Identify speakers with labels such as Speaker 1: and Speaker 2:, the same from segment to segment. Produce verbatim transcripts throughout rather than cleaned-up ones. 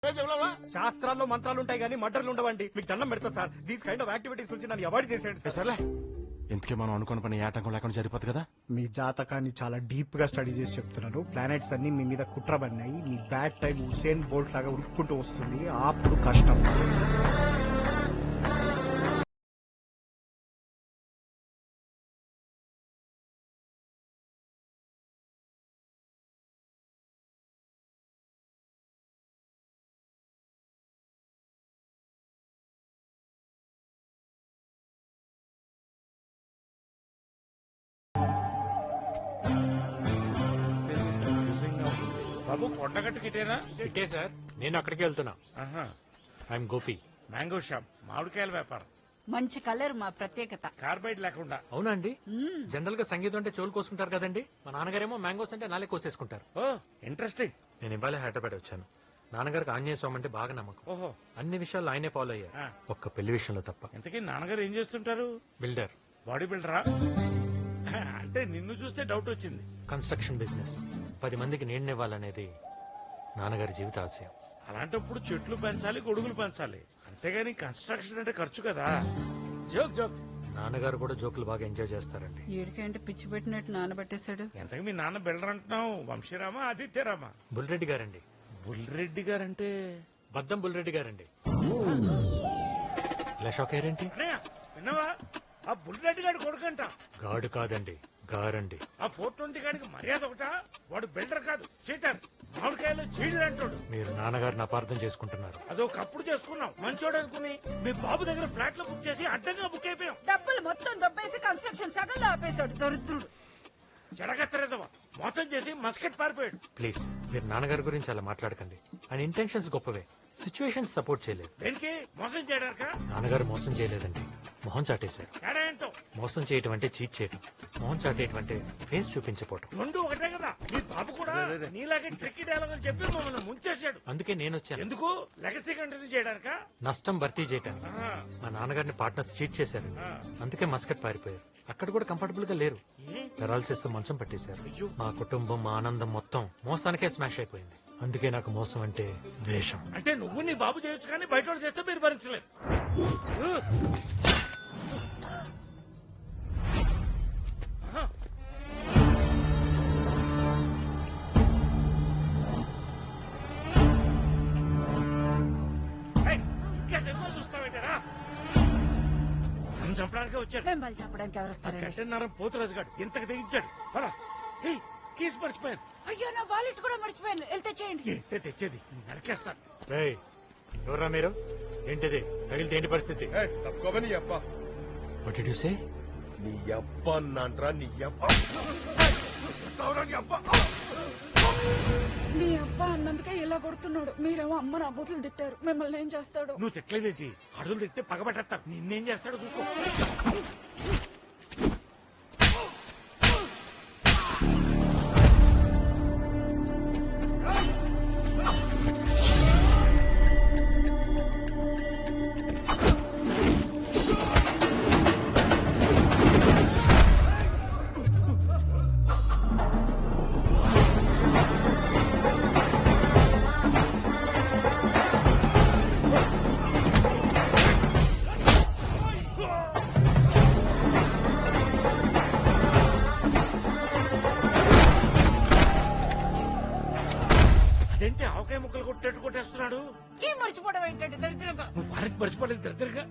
Speaker 1: శాస్త్రాల్లో మంత్రాలు ఉంటాయి కానీ మర్డర్లు ఉండవండి. మీకు దండం పెడతా sir. These kind of activities నుంచి నన్ను అవాయిడ్ చేసేయండి
Speaker 2: సర్లే, ఇంతకీ మనం అనుకున్న పని ఆటంకం లేకుండా జరిపోతుంది కదా.
Speaker 1: మీ జాతకాన్ని చాలా డీప్ గా స్టడీ చేసి చెప్తున్నారు. ప్లానెట్స్ అన్ని మీ మీద కుట్రబడినాయి. మీ బ్యాడ్ టైం హుసేన్ బోల్ట్ లాగా ఉరుక్కుంటూ వస్తుంది. అప్పుడు కష్టం.
Speaker 3: బాబు కొండగట్టు గిటేనా?
Speaker 4: ఇటే సార్, నేను అక్కడికి వెళ్తున్నా. ఐఎమ్ గోపి.
Speaker 3: మ్యాంగో షాప్, మామిడికాయల వ్యాపారం.
Speaker 5: మంచి కలర్ మా ప్రత్యేకత.
Speaker 3: కార్బైడ్ లేకుండా.
Speaker 4: అవునా అండి? జనరల్ గా సంగీతం అంటే చెవులు కోసుకుంటారు కదండి. మా నాన్నగారేమో మ్యాంగోస్ అంటే నాలే కోసేసుకుంటారు.
Speaker 3: ఓ ఇంట్రెస్టింగ్.
Speaker 4: నేను ఇవాళ హైదరాబాద్ వచ్చాను. నాన్నగారికి ఆంజనేయ స్వామి అంటే బాగా నమ్మకం.
Speaker 3: ఓహో,
Speaker 4: అన్ని విషయాల్లో ఆయనే ఫాలో అయ్యారు,
Speaker 3: ఆ.
Speaker 4: ఒక్క పెళ్లి విషయంలో తప్ప.
Speaker 3: ఇంతకీ నాన్నగారు ఏం చేస్తుంటారు?
Speaker 4: బిల్డర్,
Speaker 3: బాడీ బిల్డరా? అంటే నిన్ను చూస్తే డౌట్ వచ్చింది.
Speaker 4: Construction business. పది మందికి నీడనివ్వాలనేది నాన్నగారి జీవిత ఆశయం.
Speaker 3: అలాంటప్పుడు చెట్లు పెంచాలి, గొడుగులు పెంచాలి. అంతేగాని కన్స్ట్రక్షన్ అంటే ఖర్చు కదా. Joke joke.
Speaker 4: నాన్నగారు కూడా జోకులు బాగా ఎంజాయ్ చేస్తారండి.
Speaker 5: ఏడికంటే పిచ్చి పెట్టినట్టు నానబట్టేశాడు.
Speaker 3: ఎంతకు మీ నాన్న బిల్డర్ అంటున్నావు? వంశీరామా, ఆదిత్యరామా?
Speaker 4: బుల్రెడ్డి గారండి.
Speaker 3: బుల్రెడ్డి గారంటే
Speaker 4: బద్దం బుల్రెడ్డి గారండి. ఇలా షాక్ అయ్యారేంటి?
Speaker 3: అన్నయ్య, విన్నావా? ఆ బుల్రెడ్డి గారి కొడుకంట.
Speaker 4: గాడు కాదండి, గారండి.
Speaker 3: ఆ ఫోర్ ట్వంటీ గాడికి మర్యాద ఒకటా? వాడు బిల్డర్ కాదు, చీటర్. మామిడికాయలు చీడలు అంటాడు.
Speaker 4: మీరు నాన్నగారిని అపార్థం చేసుకుంటున్నారు.
Speaker 3: అదొకప్పుడు చేసుకున్నాం, మంచోడు అనుకుని. మీ బాబు దగ్గర ఫ్లాట్ లో బుక్ చేసి అడ్డంగా బుక్ అయిపోయాం.
Speaker 5: డబ్బులు మొత్తం దొబ్బేసి కన్స్ట్రక్షన్ సగంలో ఆపేశాడు దరిద్రుడు.
Speaker 3: చెడగత్తరేదవా, మోసం చేసి మస్కెట్ పారిపోయాడు.
Speaker 4: ప్లీజ్, మీరు నాన్నగారి గురించి అలా మాట్లాడకండి. ఆయన ఇంటెన్షన్స్ గొప్పవే, సిచ్యువేషన్స్ సపోర్ట్ చేయలేదు.
Speaker 3: దేనికి? మోసం చేయడానిక?
Speaker 4: నాన్నగారు మోసం చేయలేదండి, మొహం చాటేశారు.
Speaker 3: తేడా ఏంటో?
Speaker 4: మోసం చేయటం అంటే చీట్ చేయటం, మొహం చాటేయటం అంటే ఫేస్ చూపించపోవటం.
Speaker 3: రెండు ఒకటే కదా. మీ బాబు కూడా నీలాగే ట్రిక్కీ డైలాగ్ అని చెప్పి మమ్మల్ని ముంచేశాడు.
Speaker 4: అందుకే నేను వచ్చాను.
Speaker 3: ఎందుకు? లెగసీ కంటిన్యూ చేయడానిక?
Speaker 4: నష్టం భర్తీ చేయటానికి. మా నాన్నగారిని పార్ట్నర్స్ చీట్ చేశారు, అందుకే మస్కట్ పారిపోయారు. అక్కడ కూడా కంఫర్టబుల్ గా లేరు. పెరాలసిస్ తో మంచం పట్టేశారు. మా కుటుంబం, మా ఆనందం మొత్తం మోసానికే స్మాష్ అయిపోయింది. అందుకే నాకు మోసం అంటే ద్వేషం.
Speaker 3: అంటే నువ్వు నీ బాబు చేయొచ్చు కానీ బయట వాడు చేస్తే మీరు భరించలేదు. ఇంకా సినిమా చూస్తావేంటారా? నన్ను చంపడానికి వచ్చాడు.
Speaker 5: వెంబడి చెప్పడానికి ఎవరు వస్తారండి?
Speaker 3: గంటన్నరం పోతురాజు గారు ఇంతకు తెగించాడు. కీస్ మర్చిపోయాను.
Speaker 5: అయ్యో, నా వాలెట్ కూడా మర్చిపోయాను. వెళ్తే చేయండి.
Speaker 3: ఏంటే తెచ్చేది? నరికేస్తాను.
Speaker 4: రేయ్, ఎవరా మీరు? ఏంటిది? తగిలితే ఏంటి పరిస్థితి?
Speaker 2: తప్పుకోమని నీ అప్ప
Speaker 4: What did you say?
Speaker 2: నీ అప్ప అన్నాన్రా, నీ అప్ప నీ అప్ప.
Speaker 5: నీ అబ్బా అన్నందుకే ఇలా కొడుతున్నాడు. మీరేమో అమ్మ నా బూతులు తిట్టారు. మిమ్మల్ని ఏం చేస్తాడు?
Speaker 3: నువ్వు తిట్టలేదేంటి? అడుగులు తిట్టే పగబెట్టేస్తాను. నిన్నేం చేస్తాడో చూసుకో. అదేంటి ఆవకాయ ముక్కలు కొట్టేట్టు కొట్టేస్తున్నాడు?
Speaker 5: ఏం మర్చిపోవడం ఏంటంటే దరిద్రంగా.
Speaker 3: నువ్వు వారికి మర్చిపోలేదు దగ్గరగా.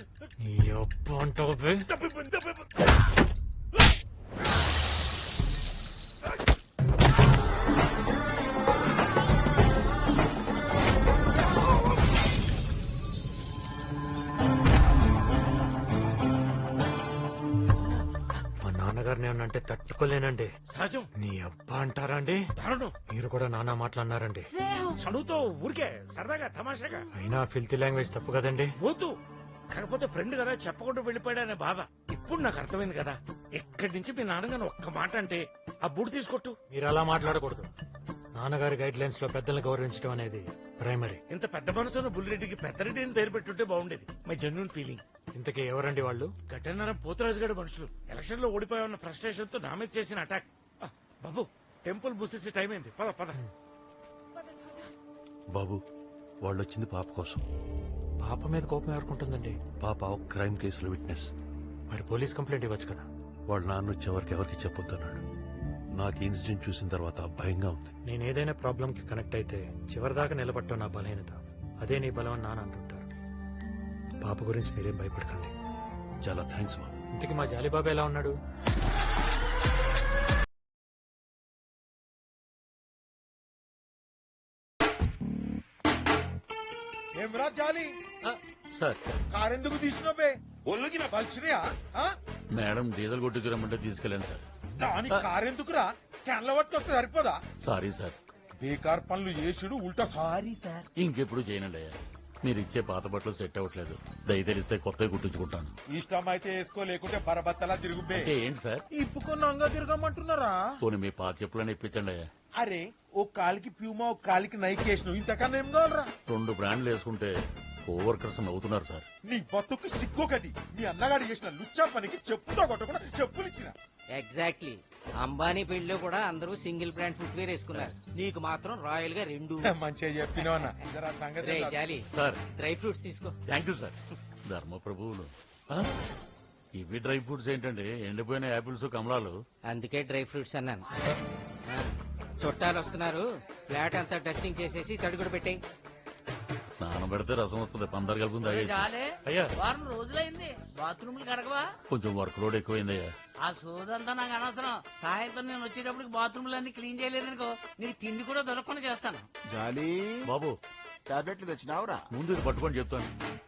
Speaker 4: అంటావే? నానంటే తట్టుకోలేనండి.
Speaker 3: సహజం.
Speaker 4: నీ అబ్బా అంటారా అండి?
Speaker 3: దారుణం.
Speaker 4: మీరు కూడా నానా మాట్లాడినారండి.
Speaker 3: చదువుతో ఊరికే సరదాగా తమాషాగా.
Speaker 4: అయినా ఫిల్తీ లాంగ్వేజ్ తప్పు కదండి.
Speaker 3: పోతూ కాకపోతే ఫ్రెండ్ కదా చెప్పకుండా వెళ్ళిపోయాడనే బాధ ఇప్పుడు నాకు అర్థమైంది కదా. ఎక్కడి నుంచి మీ నాన్నగారు ఒక్క మాట అంటే ఆ బూడి తీసుకొట్టు.
Speaker 4: మీరు అలా మాట్లాడకూడదు. నాన్నగారి గైడ్ లైన్స్ లో పెద్దల్ని గౌరవించడం అనేది ప్రైమరీ.
Speaker 3: ఇంత పెద్ద మనసున్న బుల్లిరెడ్డికి పెద్దరెడ్డి అని పేరు పెట్టుంటే బాగుండేది. My genuine feeling.
Speaker 4: ఇంతకీ ఎవరండి వాళ్ళు?
Speaker 3: గట్టన్నారం పోతరాజు గారి మనుషులు ఎలక్షన్ లో ఓడిపోయామన్న ఫ్రస్ట్రేషన్ తో నా మీద చేసిన అటాక్. ఆ, బాబు టెంపుల్ బుసేసి టైం అయింది. పద పద.
Speaker 6: బాబు వాళ్ళు వచ్చింది పాప కోసం.
Speaker 4: పాప మీద కోపం ఎవరుకుంటుందండి?
Speaker 6: పాప ఒక క్రైమ్ కేసులో విట్నెస్.
Speaker 4: మరి పోలీస్ కంప్లైంట్ ఇవ్వచ్చు కదా.
Speaker 6: వాళ్ళ నాన్న వచ్చేవరకు ఎవరికి చెప్పొద్దన్నాడు. నాకు ఈ ఇన్సిడెంట్ చూసిన తర్వాత భయంగా ఉంది.
Speaker 4: నేను ఏదైనా ప్రాబ్లం కి కనెక్ట్ అయితే చివరిదాకా నిలబట్టడం నా బలహీనత. అదే నీ బలం అని నాన్న అంటుంటారు. పాప గురించి మీరేం భయపడకండి.
Speaker 6: చాలా థ్యాంక్స్ బాబు.
Speaker 4: ఇంతకీ మా జాలీబాబు ఎలా ఉన్నాడు?
Speaker 2: ఏమరా జాలి
Speaker 6: సార్
Speaker 2: కారెందుకు తీసినవే? ఒళ్ళుకి నా బలిచినయా?
Speaker 6: మేడం డీజిల్ కొట్టి రమ్మంటే తీసుకెళ్ళాను సార్.
Speaker 2: దాని కారెందుకురా? క్యాన్ల పట్టుకొస్తే సరిపోదా?
Speaker 6: Sorry sir.
Speaker 2: బేకార్ పనులు చేసుడు ఉల్టా సారీ సార్.
Speaker 6: ఇంకెప్పుడు చేయనండి అయ్యా. మీరు ఇచ్చే పాత బట్టలు సెట్ అవ్వట్లేదు. దయ తెలిస్తే కొత్తవి కుట్టించుకుంటాను.
Speaker 2: ఇష్టం అయితే వేసుకో, లేకుంటే బరబత్తలా తిరుగుబే.
Speaker 6: అంటే ఏంటి సార్?
Speaker 2: ఇప్పుకొని అంగా తిరగమంటున్నారా?
Speaker 6: పోనీ మీ పాత చెప్పులని ఇప్పించండి అయ్యా.
Speaker 2: అరే ఓ కాలికి ప్యూమా, ఒక కాలికి నైక్ వేసినావు, ఇంతకన్నా ఏం కావాలరా?
Speaker 6: రెండు బ్రాండ్లు వేసుకుంటే కోవర్కర్స్ నవ్వుతున్నారు సార్.
Speaker 2: నీ బతుకు సిగ్గొకటి. మీ అన్నగాడు చేసిన లుచ్చా పనికి చెప్పుతో కొట్టకుండా చెప్పులు ఇచ్చిన.
Speaker 7: ఎగ్జాక్ట్లీ. అంబానీ పెళ్లిలో కూడా అందరూ సింగిల్ బ్రాండ్ ఫుట్వేర్ వేసుకున్నారు. నీకు మాత్రం రాయల్ గా రెండు.
Speaker 2: మంచిగా చెప్పినావు అన్న. జరా సంగతి
Speaker 7: రే
Speaker 2: ఏంటో
Speaker 7: జాలి,
Speaker 6: సార్
Speaker 7: డ్రై ఫ్రూట్స్ తీసుకో.
Speaker 6: Thank you sir. ధర్మ ప్రభువులు. ఆ? ఇవి డ్రై ఫ్రూట్స్ ఏంటండి? ఎండిపోయిన యాపిల్స్, కమలాలు.
Speaker 7: అందుకే డ్రై ఫ్రూట్స్ అన్నాను. ఆ, చుట్టాలు వస్తున్నారు. ఫ్లాట్ అంతా డస్టింగ్ చేసేసి తడుగుడు పెట్టాయి.
Speaker 6: స్నానం పెడితే రసం వస్తుంది. పందరు కలుపుంది
Speaker 8: చాలే
Speaker 6: అయ్యా.
Speaker 8: వారం రోజులైంది బాత్రూమ్లు కడగవా?
Speaker 6: కొంచెం వర్క్ లోడ్ ఎక్కువైందయ్యా.
Speaker 8: ఆ సోదంతా నాకు అనవసరం. సాయంత్రం నేను వచ్చేటప్పటికి బాత్రూమ్లు అన్ని క్లీన్ చేయలేదనుకో నీకు తిండి కూడా దొరకకుండా చేస్తాను.
Speaker 9: జాలి
Speaker 6: బాబు
Speaker 9: టాబ్లెట్లు తెచ్చినావురా?
Speaker 6: ముందు ఇది పట్టుకొని చెప్తాను.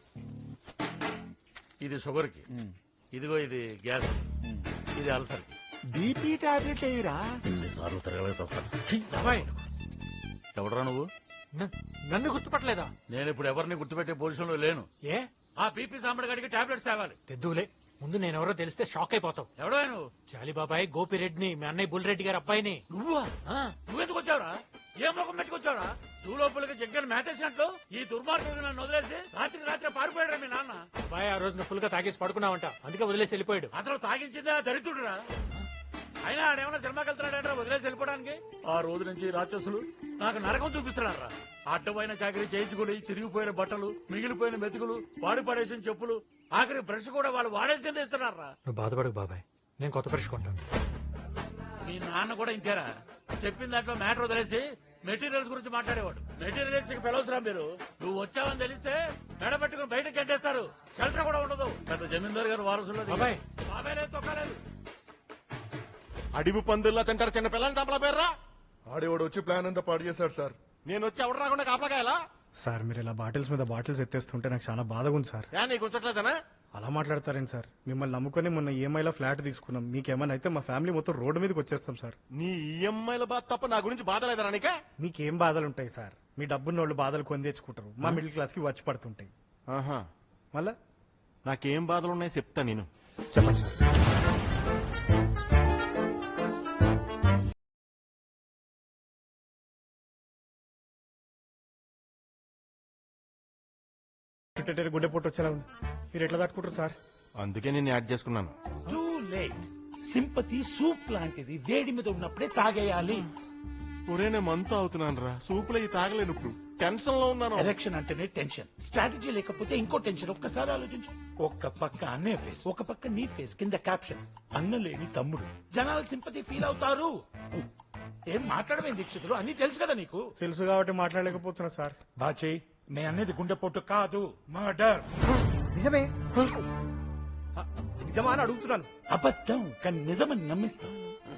Speaker 6: ఇది షుగర్ కి, ఇదిగో ఇది గ్యాస్, ఇది అల్సర్ కి.
Speaker 9: బీపీ టాబ్లెట్లు ఏవిరా?
Speaker 6: ఎన్నిసార్లు తిరగలేసి వస్తాను.
Speaker 4: బాబాయ్,
Speaker 6: ఎవడరా నువ్వు?
Speaker 4: న- నన్ను గుర్తుపట్టలేదా?
Speaker 6: నేను ఇప్పుడు ఎవరిని గుర్తుపెట్టే పొజిషన్ లో లేను.
Speaker 4: ఏ
Speaker 6: ఆ బీపీ సాంబడి గడికి టాబ్లెట్స్ తేవాలి.
Speaker 4: తెద్దులే. ముందు నేనెవరో తెలిస్తే షాక్ అయిపోతావు.
Speaker 6: ఎవడో నువ్వు?
Speaker 4: జాలీబాబాయ్ గోపిరెడ్డిని, మీ అన్నయ్య బుల్రెడ్డి గారి అబ్బాయిని.
Speaker 6: నువ్వా?
Speaker 4: ఆ,
Speaker 6: నువ్వెందుకు వచ్చావురా? ఏ ముఖం పెట్టుకొచ్చావురా? నువ్వు లోపలికి జగ్గలు మేతేసినట్లు ఈ దుర్మార్గుడు నన్ను వదిలేసి రాత్రికి రాత్రి పారిపోయాడు మీ నాన్న.
Speaker 4: అబ్బాయి ఆ రోజున ఫుల్ గా తాగేసి పడుకున్నావంట, అందుకే వదిలేసి వెళ్ళిపోయాడు.
Speaker 6: అసలు తాగించిందే ఆ దరిద్రుడురా. అయినా ఆడేమన్నా సినిమాకి వెళ్తున్నాడంటే వదిలేసి వెళ్ళిపోవడానికి? ఆ రోజు నుంచి రాక్షసులు నాకు నరకం చూపిస్తున్నారా. అడ్డమైన చాకరీ చేయించుకుని చిరిగిపోయిన బట్టలు, మిగిలిపోయిన మెతుకులు, వాడి పడేసిన చెప్పులు, ఆఖరి బ్రష్ కూడా వాళ్ళు వాడేసింది ఇస్తున్నారా.
Speaker 4: నువ్వు బాధపడకు బాబాయ్, నేను కొత్త ఫ్రెష్ కొంటాను.
Speaker 6: మీ నాన్న కూడా ఇంతేరా. చెప్పిన దాంట్లో మ్యాటర్ వదిలేసి మెటీరియల్స్ గురించి మాట్లాడేవాడు. మెటీరియల్స్ కి పిలవసరా మీరు? నువ్వు వచ్చావని తెలిస్తే మెడ పెట్టుకుని బయటకు గంటేస్తారు. షెల్టర్ కూడా ఉండదు. పెద్ద జమీందారు గారు వారసుల్లో
Speaker 4: బాబాయ్.
Speaker 6: బాబాయ్ లేదు, తొక్కలేదు.
Speaker 2: అడివి పందుల్లా తింటారు చిన్న పిల్లల్ని చంపల పేర్రా. ఆడేవాడు వచ్చి ప్లాన్ అంతా పాడు చేశాడు సార్. నేను వచ్చి ఎవడు రాకుండా కాపలాకాయలా?
Speaker 1: సార్ మీరు ఇలా బాటిల్స్ మీద బాటిల్స్ ఎత్తేస్తుంటే నాకు చాలా బాధగా ఉంది సార్.
Speaker 2: ఏ నీకు ఉంచట్లేదనా?
Speaker 1: అలా మాట్లాడతారేంటి సార్? మిమ్మల్ని నమ్ముకొని మొన్న ఈఎంఐలో ఫ్లాట్ తీసుకున్నాం. మీకేమైనా అయితే మా ఫ్యామిలీ మొత్తం రోడ్డు మీదకి వచ్చేస్తాం సార్.
Speaker 2: నీ ఈఎంఐల బాధ తప్ప నా గురించి బాధ లేదరా నీకే?
Speaker 1: మీకేం బాధలు ఉంటాయి సార్? మీ డబ్బున్న వాళ్ళు బాధలు కొని తెచ్చుకుంటారు. మా మిడిల్ క్లాస్ కి వచ్చి పడుతుంటాయి.
Speaker 2: ఆహా,
Speaker 1: మళ్ళా
Speaker 2: నాకేం బాధలు ఉన్నాయో చెప్తా నేను.
Speaker 1: చెప్పండి సార్. గుండె పొట్టు వచ్చేలా ఉంది. మీరు ఎట్లా తట్టుకుంటారు సార్?
Speaker 2: అందుకే నేను యాడ్ చేసుకున్నాను.
Speaker 3: Too late. సింపతి సూప్ లాంటిది, వేడి మీద ఉన్నప్పుడే తాగేయాలి.
Speaker 2: ఒరే నేను మంతా అవుతున్నాను రా. సూపులో ఈ తాగలేను ఇప్పుడు. టెన్షన్ లో ఉన్నాను.
Speaker 3: ఎలక్షన్ అంటేనే టెన్షన్. స్ట్రాటజీ లేకపోతే ఇంకో టెన్షన్. ఒక్కసారి ఆలోచించు. ఒక్క పక్క అన్నయ్య ఫేస్, ఒక పక్క నీ ఫేస్, కింద క్యాప్షన్ అన్న లేని తమ్ముడు. జనాలు సింపతి ఫీల్ అవుతారు. ఏం మాట్లాడమే దీక్షితులు, అన్ని తెలుసు కదా నీకు.
Speaker 1: తెలుసు కాబట్టి మాట్లాడలేకపోతున్నా సార్.
Speaker 3: బాచే నే అనేది గుండెపోటు కాదు, మర్డర్.
Speaker 1: నిజమే నిజమా అని అడుగుతున్నాను.
Speaker 3: అబద్ధం కానీ నిజమని నమ్మిస్తాం.